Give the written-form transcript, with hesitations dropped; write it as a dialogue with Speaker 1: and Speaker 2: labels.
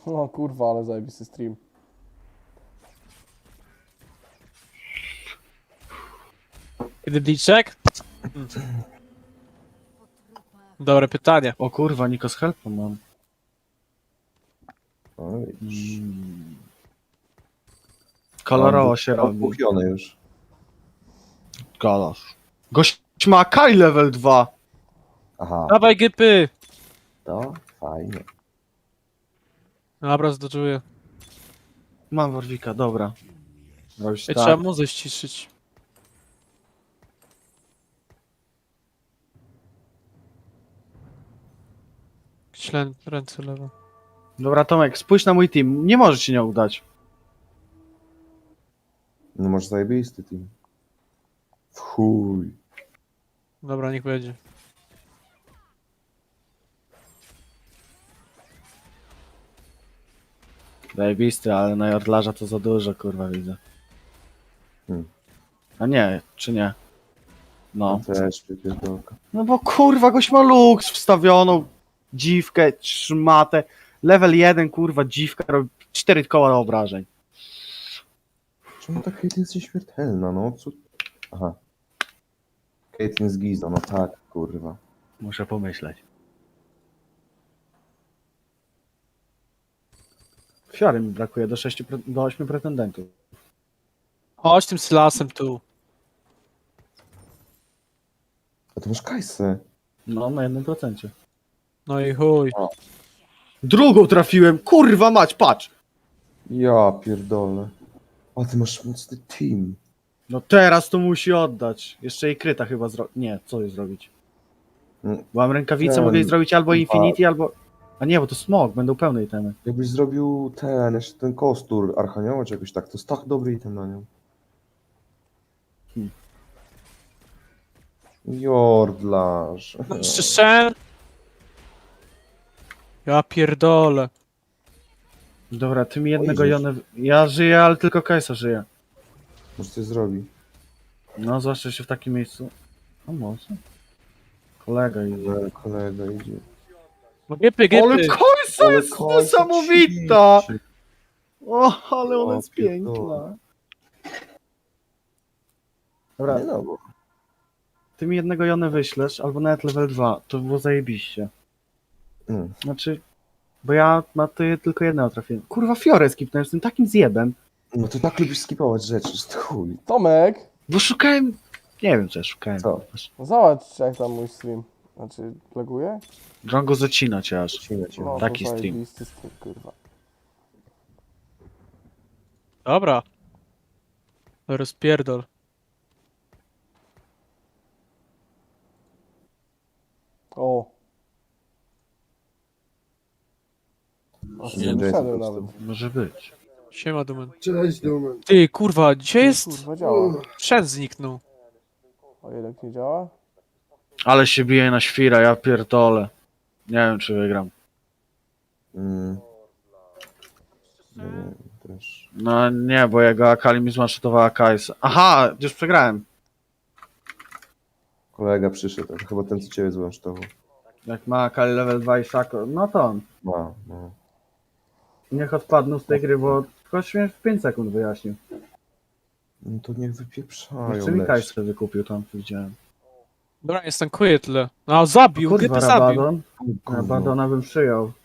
Speaker 1: O kurwa, ale zajebisty stream.
Speaker 2: Kiedy Bliczek? Dobre pytanie.
Speaker 3: O kurwa, Nikos Helpa mam.
Speaker 4: Oj,
Speaker 3: Kolorowo się robi.
Speaker 4: kupione już.
Speaker 3: Galasz. Gość ma Kai level 2.
Speaker 4: Aha,
Speaker 2: Dawaj gypy!
Speaker 4: to fajnie.
Speaker 2: Dobra, zdoczuję.
Speaker 3: Mam Warwika, dobra. Robisz
Speaker 2: Ej,
Speaker 3: tak.
Speaker 2: trzeba muzę ściszyć. Ślę ręce lewo.
Speaker 3: Dobra, Tomek, spójrz na mój team. Nie może ci nie udać.
Speaker 4: No masz zajebisty team. W chuj.
Speaker 2: Dobra, niech będzie.
Speaker 3: Zajebisty, ale na Jordlarza to za dużo, kurwa, widzę.
Speaker 4: Hmm.
Speaker 3: A nie, czy nie? No.
Speaker 4: Też wypierdolka.
Speaker 3: No bo kurwa, gość ma luks wstawioną. Dziwkę, szmatę. Level 1, kurwa, dziwka robi 4 koła obrażeń.
Speaker 4: Czemu ta Caitlyn jest nieśmiertelna, no? Co? Aha. Caitlyn z Giza, no tak, kurwa.
Speaker 3: Muszę pomyśleć. Fiary mi brakuje do 6, do 8 pretendentów.
Speaker 2: Chodź tym Sylasem tu.
Speaker 4: A to masz Kajsę.
Speaker 3: No, na 1%.
Speaker 2: No i chuj.
Speaker 3: Drugą trafiłem, kurwa mać, patrz!
Speaker 4: Ja pierdolę. A ty masz mocny team.
Speaker 3: No teraz to musi oddać. Jeszcze jej kryta chyba Nie, co jej zrobić?
Speaker 4: Mm.
Speaker 3: Bo mam rękawicę,
Speaker 4: Ten-
Speaker 3: mogę jej zrobić albo Infinity, albo... A nie, bo to smog, będą pełne itemy.
Speaker 4: Jakbyś zrobił jeszcze ten kostur Archanioła czy jakoś tak, to jest tak dobry item na nią.
Speaker 3: Hmm.
Speaker 4: Jordlarz.
Speaker 2: No, szczerze? Ja pierdolę.
Speaker 3: Dobra, ty mi jednego
Speaker 4: Oj,
Speaker 3: Jonę... Ja żyję, ale tylko Kajsa żyje.
Speaker 4: Może coś zrobi.
Speaker 3: No, zwłaszcza się w takim miejscu. A może? Kolega idzie.
Speaker 4: Kolega idzie.
Speaker 2: No gypy,
Speaker 3: Ale
Speaker 2: gypy.
Speaker 3: Kajsa
Speaker 4: Ale
Speaker 3: jest
Speaker 4: Kajsa
Speaker 3: niesamowita!
Speaker 4: ćwiczy.
Speaker 3: O, ale ona
Speaker 4: O,
Speaker 3: jest
Speaker 4: pierdolę.
Speaker 3: piękna. Dobra,
Speaker 4: Nie no, bo...
Speaker 3: ty mi jednego Jonę wyślesz, albo nawet level 2, to by było zajebiście.
Speaker 4: Mm.
Speaker 3: Znaczy, bo ja na to tylko jednego trafiłem. Kurwa, Fiorę skipnąłem z tym takim zjebem,
Speaker 4: No ty tak lubisz skipować rzeczy, że to chuj.
Speaker 1: Tomek,
Speaker 3: bo szukałem... Nie wiem, co ja szukałem.
Speaker 4: Co?
Speaker 1: zobacz jak tam mój stream. Znaczy, laguje?
Speaker 3: Drongo zacina cię aż.
Speaker 4: Cinę cię.
Speaker 1: No,
Speaker 3: Taki
Speaker 1: to
Speaker 3: stream.
Speaker 1: zajebisty stream, kurwa.
Speaker 2: Dobra. Rozpierdol.
Speaker 1: O. A
Speaker 4: Nie,
Speaker 1: nie wyszedłem
Speaker 4: Jason
Speaker 1: nawet.
Speaker 3: Może być.
Speaker 2: Siema, Dumen.
Speaker 5: Cześć, Dumen.
Speaker 2: Ty, kurwa, gdzie jest?
Speaker 1: Kurwa, działa.
Speaker 2: Sprzęt zniknął.
Speaker 1: O, jednak nie działa?
Speaker 3: Ale się bije na świra, ja pierdolę. Nie wiem, czy wygram.
Speaker 4: Mm. Nie wiem, też.
Speaker 3: No nie, bo jego Akali mi zmanszetowała Kajsa. Aha, już przegrałem.
Speaker 4: Kolega przyszedł, to chyba ten co ciebie złącztował.
Speaker 3: Jak ma Akali level 2 i Sako, no to on.
Speaker 4: Ma, no.
Speaker 3: Niech odpadną z tej gry, bo ktoś mnie w 5 sekund wyjaśnił.
Speaker 4: No to niech wypieprzają.
Speaker 3: Jeszcze mi
Speaker 4: lecz.
Speaker 3: Kajsę wykupił tam, widziałem.
Speaker 2: Dobra, nie stankuję tyle. No, zabił,
Speaker 3: Kurwa,
Speaker 2: gypy zabił.
Speaker 3: Rabadon.
Speaker 4: Gówno.
Speaker 3: Rabadona bym przyjął.